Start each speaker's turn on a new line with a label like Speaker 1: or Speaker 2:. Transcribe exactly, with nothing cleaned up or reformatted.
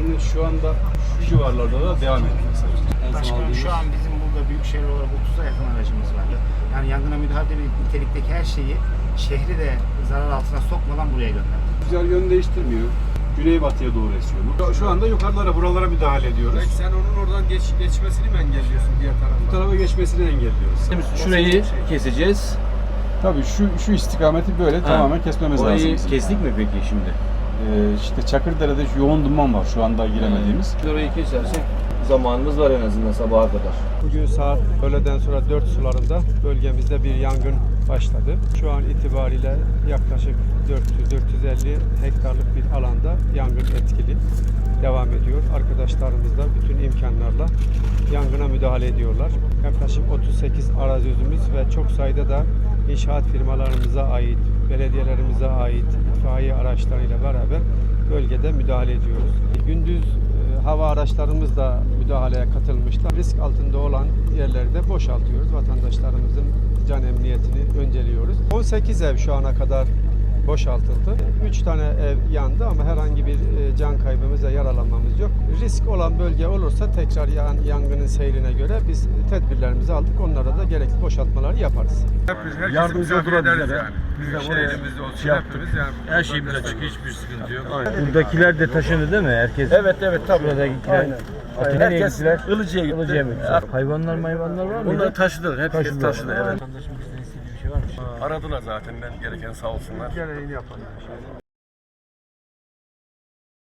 Speaker 1: faaliyetlerinin şu anda şu civarlarda da devam etmesi.
Speaker 2: Başkanım şu an bizim burada büyükşehir olarak otuza yakın aracımız var. Yani yangına müdahale nitelikteki her şeyi şehri de zarar altına sokmadan buraya gönderdik.
Speaker 1: Rüzgar yön değiştirmiyor. Güneybatıya doğru esiyor bu. Şu anda yukarılara, buralara müdahale ediyoruz.
Speaker 3: Belki sen onun oradan geç, geçmesini mi engelliyorsun diğer tarafa?
Speaker 1: Bu tarafa geçmesini engelliyoruz.
Speaker 4: Şurayı keseceğiz.
Speaker 1: Tabii şu şu istikameti böyle ha. tamamen kesmemiz
Speaker 4: Orayı
Speaker 1: lazım.
Speaker 4: Orayı kestik mi peki şimdi?
Speaker 1: Ee, işte Çakırdere'de yoğun duman var şu anda giremediğimiz.
Speaker 4: Hmm. Orayı kesersek zamanımız var en azından sabaha kadar.
Speaker 3: Bugün saat öğleden sonra dört sularında bölgemizde bir yangın başladı. Şu an itibariyle yaklaşık dört yüz dört yüz elli hektarlık bir alanda yangın etkili devam ediyor. Arkadaşlarımız da bütün imkanlarla yangına müdahale ediyorlar. Yaklaşık otuz sekiz arazözümüz ve çok sayıda da inşaat firmalarımıza ait, belediyelerimize ait itfaiye araçlarıyla beraber bölgede müdahale ediyoruz. Gündüz hava araçlarımız da müdahaleye katılmışlar. Risk altında olan yerleri de boşaltıyoruz. Vatandaşlarımızın can emniyetini önceliyoruz. on sekiz ev şu ana kadar boşaltıldı. üç tane ev yandı ama herhangi bir can kaybımız ve yaralanmamız yok. Risk olan bölge olursa tekrar yan, yangının seyrine göre biz tedbirlerimizi aldık. Onlara da gerekli boşaltmaları yaparız.
Speaker 1: Yardımcı olurlar bize de.
Speaker 3: Biz de elimizde olsun şey hepimiz yani.
Speaker 4: Her şeyimiz açık, hiçbir sıkıntı yok.
Speaker 5: Buradakiler de taşındı değil mi? Herkes.
Speaker 4: Evet evet tabii.
Speaker 5: Buradakiler.
Speaker 4: Aynen.
Speaker 5: Aynen.
Speaker 4: Herkes Ilıcı'ya gitti.
Speaker 5: Ilıcı'ya mı gitti? Hayvanlar mayvanlar var mı?
Speaker 4: Onları taşıdılar. Hep taşıdı. taşıdı. Evet.
Speaker 5: Vatandaşın bizden istediği bir şey var mı?
Speaker 6: Aradılar zaten ben gereken sağ olsunlar.
Speaker 3: Gereğini yapalım.